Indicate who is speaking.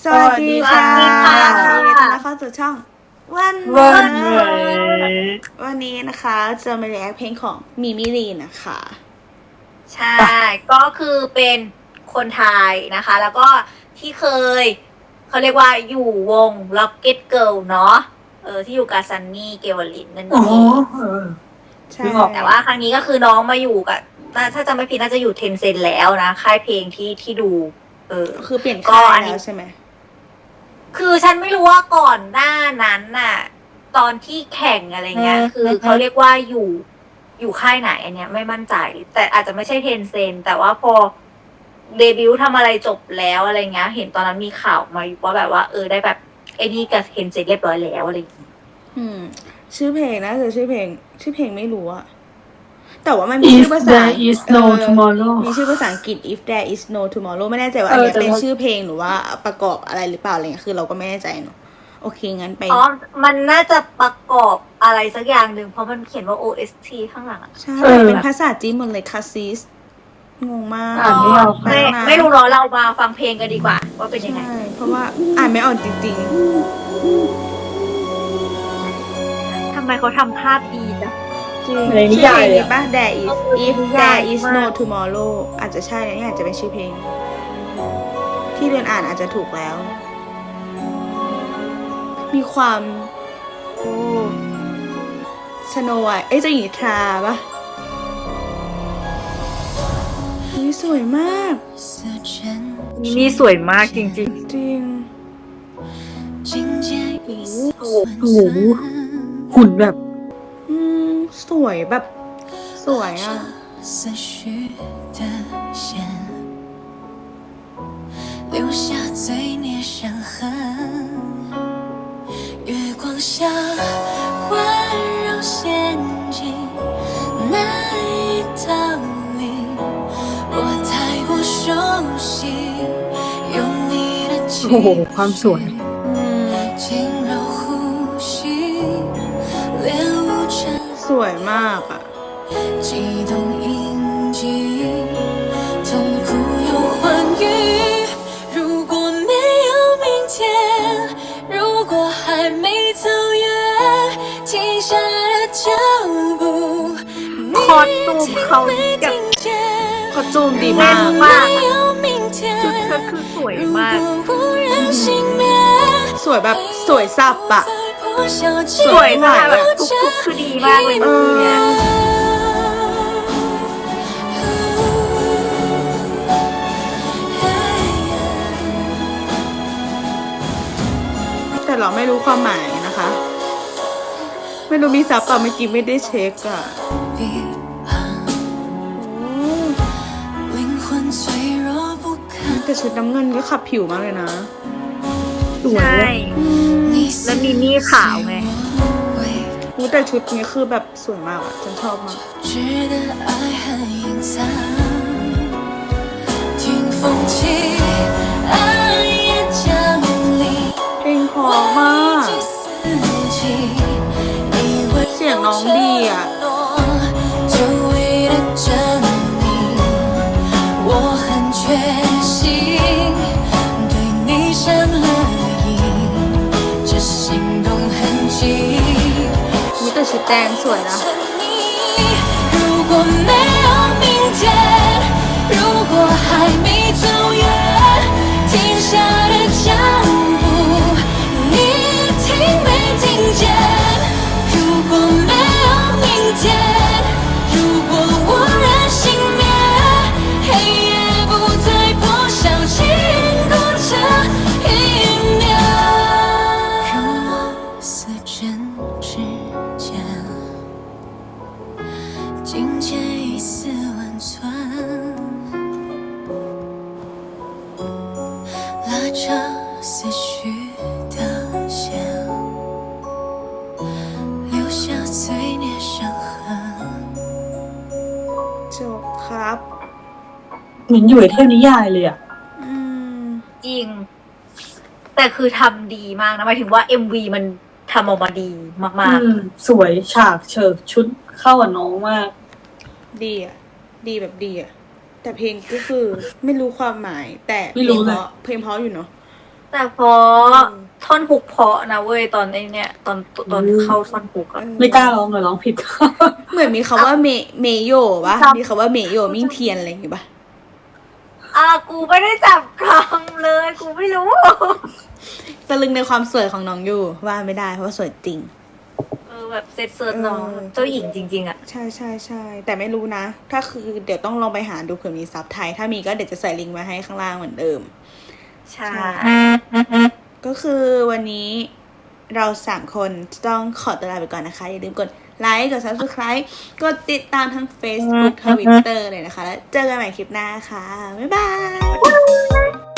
Speaker 1: สวัสดีค่ะ
Speaker 2: สวัสดีค่ะ
Speaker 1: ยินดีต้อนรับเข้าสู่ช่องวัน
Speaker 2: วั
Speaker 1: วัน
Speaker 2: น
Speaker 1: วันนี้นะคะจะมาเรียกเพลงของมิมิลีนะคะ
Speaker 2: ใช่ ก็คือเป็นคนไทยนะคะ แล้วก็ที่เคยเขาเรียกว่าอยู่วง Rocket Girl เนาะที่อยู่กับซันนี่เกวลินนั่น
Speaker 3: อ๋อ
Speaker 2: เอง
Speaker 1: ใช่
Speaker 3: นึกออก
Speaker 2: แต่ว่าครั้งนี้ก็คือน้องมาอยู่กับถ้าจำไม่ผิดน่าจะอยู่เทนเซ็นแล้วนะค่ายเพลงที่ดู
Speaker 1: คือเปลี่ยน
Speaker 2: ก็
Speaker 1: ค่าย
Speaker 2: อันนี้
Speaker 1: แล้วใช่ไหม
Speaker 2: คือฉันไม่รู้ว่าก่อนหน้านั้นน่ะ ตอนที่แข่งอะไรเงี้ย คือเขาเรียกว่าอยู่ค่ายไหนอันเนี้ยไม่มั่นใจ แต่อาจจะไม่ใช่เทนเซนแต่ว่าพอเดบิวต์ทำอะไรจบแล้วอะไรเงี้ย เห็นตอนนั้นมีข่าวมาอยู่ว่าแบบว่าได้แบบไอ้นี่กับเทนเซนเรียบร้อยแล้วอะไรอย่างเงี้ย
Speaker 1: ชื่อเพลงนะชื่อเพลงไม่รู้อะแต่ว่ามันมีชื่อ
Speaker 3: If
Speaker 1: ภาษา
Speaker 3: there is no tomorrow
Speaker 1: มีชื่อภาษาอังกฤษ if there is no tomorrow ไม่แน่ใจว่าอันเนี้ยเป็นชื่อเพลงหรือว่าประกอบอะไรหรือเปล่าอะไรเงี้ยคือเราก็ไม่แน่ใจเนอะโอเคงั้นไป
Speaker 2: อ๋อ มันน่าจะประกอบอะไรสักอย่างหนึ่งเพราะมันเขียนว่า OST ข้างหลังอะ
Speaker 1: ใช่
Speaker 3: เออ
Speaker 1: เป็นภาษาจีนหมดเลยคาซิสงงมาก
Speaker 3: อ่านไม่ออก
Speaker 1: แปลนะ
Speaker 2: ไม่รู้เนาะเรามาฟังเพลงกันดีกว่า ว่าเป็นยังไง
Speaker 1: ใช่เพราะว่าอ่านไม่ออกจริง
Speaker 2: ทำไมเขาทำภาพดีจัง
Speaker 1: ๆจริง
Speaker 3: ในนิ
Speaker 1: ชื่อย
Speaker 3: า
Speaker 1: เพ
Speaker 3: ย
Speaker 1: ลง
Speaker 3: เลย
Speaker 1: นี้ป่ะ There is if
Speaker 2: นิยาย
Speaker 1: there is
Speaker 2: มาก
Speaker 1: no tomorrow อาจจะใช่นะนี่อาจจะเป็นชื่อเพลง ที่เรียนอ่านอาจจะถูกแล้ว มีความโอ้สโนว์เอ้ยเจ้าหญิงนิทราป่ะอุ๊ยสวยมาก
Speaker 2: นี่สวยมากจริง
Speaker 1: จริง
Speaker 2: ๆ
Speaker 3: โอ้โหหุ่นแบบ
Speaker 1: สวยแบบสวยอ่ะ
Speaker 4: 思绪的线，留下罪孽伤痕。月光下环绕陷进那一道理，我太过熟悉，有你的气
Speaker 3: โอ้โห ความสวย
Speaker 4: 轻柔呼吸，恋无尘。
Speaker 1: สวยมากอ่ะ
Speaker 4: 悸动印记，痛苦又欢愉。如果没有明天，如果还没走远，停下的脚步，你
Speaker 2: คอสตูมเขา
Speaker 4: 没
Speaker 2: แบบ
Speaker 4: 听见。
Speaker 1: เขาจูมดี
Speaker 2: แน่
Speaker 1: มาน ก
Speaker 2: มาก
Speaker 4: 没
Speaker 2: อะ
Speaker 4: 有明天，
Speaker 2: ชุดเธอคือสวย
Speaker 4: 如
Speaker 2: มาก
Speaker 4: 果无人幸免，
Speaker 1: สวยแบบสวยสับอะ
Speaker 4: 再破晓
Speaker 2: สวยมากแบบทุกๆคือดีมากเลยเมื่อกี้เนี่ย
Speaker 1: แต่เราไม่รู้ความหมายนะคะ ไม่รู้มีซับเปล่าเมื่อกี้ไม่ได้เช็คอะ
Speaker 4: 彼岸，
Speaker 1: โอ้
Speaker 4: 灵魂脆弱不堪。
Speaker 1: แต่ชุดน้ำเงินก็ขับผิวมากเลยนะ
Speaker 3: สวย
Speaker 2: ใช่
Speaker 4: 你
Speaker 2: แล้วมีนี่ขาวไง
Speaker 4: 为
Speaker 1: อู้แต่ชุดนี้คือแบบสวยมากอะฉันชอบมาก
Speaker 4: 值得爱很隐藏，听风起，爱也降临，
Speaker 1: เพลงเพอมาก
Speaker 4: 四季，以为
Speaker 1: เสียงน้องดีอะ
Speaker 4: 久违的证明，我很确信，对你上了瘾，这心动痕迹。
Speaker 1: อู้แต่ชุดแดงสวยนะ
Speaker 4: 如果没有明天，如果还没走远，停下的脚步，你听没听见？如果没有明天，如果无人幸免，黑夜不再破晓，经过这一秒，让我似针指尖。境界一丝温存，拉着思绪的线，留下罪孽伤痕。
Speaker 1: จบครับ
Speaker 3: เหมือนอยู่ในเทพนิยายเลยอ่ะ
Speaker 1: อืม
Speaker 2: จริง แต่คือทำดีมากนะหมายถึงว่า MV มันทำออกมาดีมาก
Speaker 3: สวยฉากเฉิกชุดเข้ากับน้องมาก
Speaker 1: ดีอ่ะ ดีแบบดีอ่ะ แต่เพลงก็คือไม่รู้ความหมาย แต่
Speaker 3: ไม่รู้เลย
Speaker 1: เพลงเพราะอยู่เนาะ
Speaker 2: แต่พอท่อนฮุกเพราะนะเว้ยตอนไอ้เนี่ยตอนเข้าท่อนฮุกอะ
Speaker 3: ไม่กล้าร้องเลยร้องผิด
Speaker 1: เหมือนมีคำว่าเมโยปะมีคำว่าเมโยมิ่งเทียนอะไรอย่างงี้ปะ
Speaker 2: กูไม่ได้จับคำเลยกูไม่รู้
Speaker 1: ตะลึงในความสวยของน้องอยู่ว่าไม่ได้เพราะว่าสวยจริง
Speaker 2: แบบเซตเซิร์ชน้องเจ้าหญิงจริงๆอะ
Speaker 1: ใช่ใช่ใช่แต่ไม่รู้นะ ถ้าคือเดี๋ยวต้องลองไปหาดูเผื่อมีซับไทย ถ้ามีก็เดี๋ยวจะใส่ลิงก์มาให้ข้างล่างเหมือนเดิม
Speaker 2: ใช่
Speaker 1: ก็คือวันนี้เรา3คนต้องขอตัวลาไปก่อนนะคะ อย่าลืมกดไลค์กด subscribe กดติดตามทั้ง Facebook Twitter เลยนะคะ แล้วเจอกันใหม่คลิปหน้าค่ะ บ๊ายบาย